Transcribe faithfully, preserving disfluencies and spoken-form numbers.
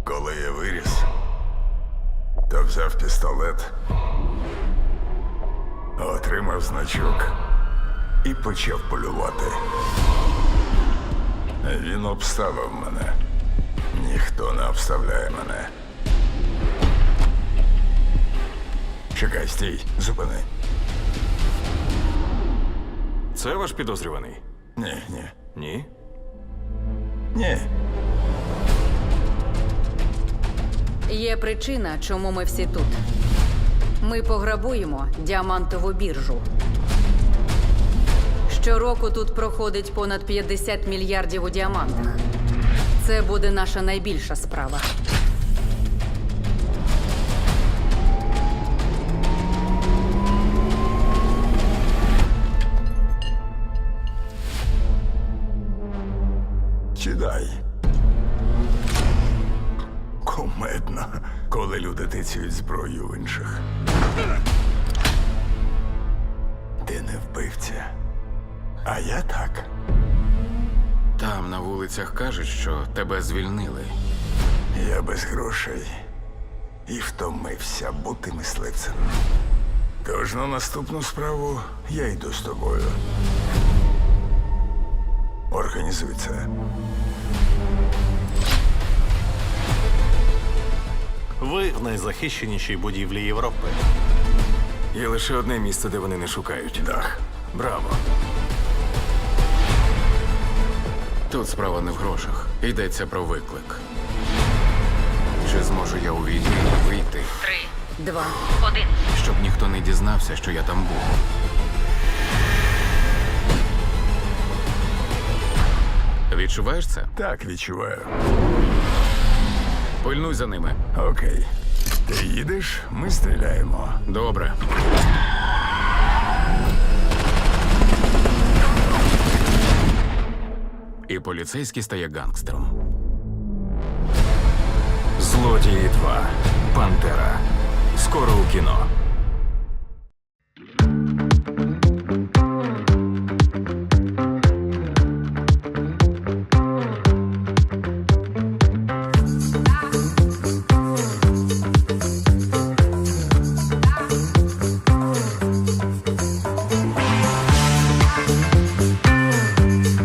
Коли я виріс, то взяв пістолет, отримав значок і почав полювати. Він обставив мене. Ніхто не обставляє мене. Чекай, стій, зупини. Це ваш підозрюваний? Ні, ні, Ні? ні. Є причина, чому ми всі тут. Ми пограбуємо діамантову біржу. Щороку тут проходить понад п'ятдесят мільярдів у діамантах. Це буде наша найбільша справа. Чидай. Кумедно, коли люди тицюють зброю в інших. Ти не вбивця. А я так. Там на вулицях кажуть, що тебе звільнили. Я без грошей і втомився бути мисливцем. Тож на наступну справу я йду з тобою. Організуй це. Ви в найзахищенішій будівлі Європи. Є лише одне місце, де вони не шукають. Дах. Браво. Тут справа не в грошах. Йдеться про виклик. Чи зможу я увійти і вийти, Три, два, один. щоб ніхто не дізнався, що я там був? Відчуваєш це? Так, відчуваю. Пильнуй за ними. Окей. Ти їдеш, ми стріляємо. Добре. І поліцейський стає гангстером. Злодії два. Пантера. Скоро у кіно.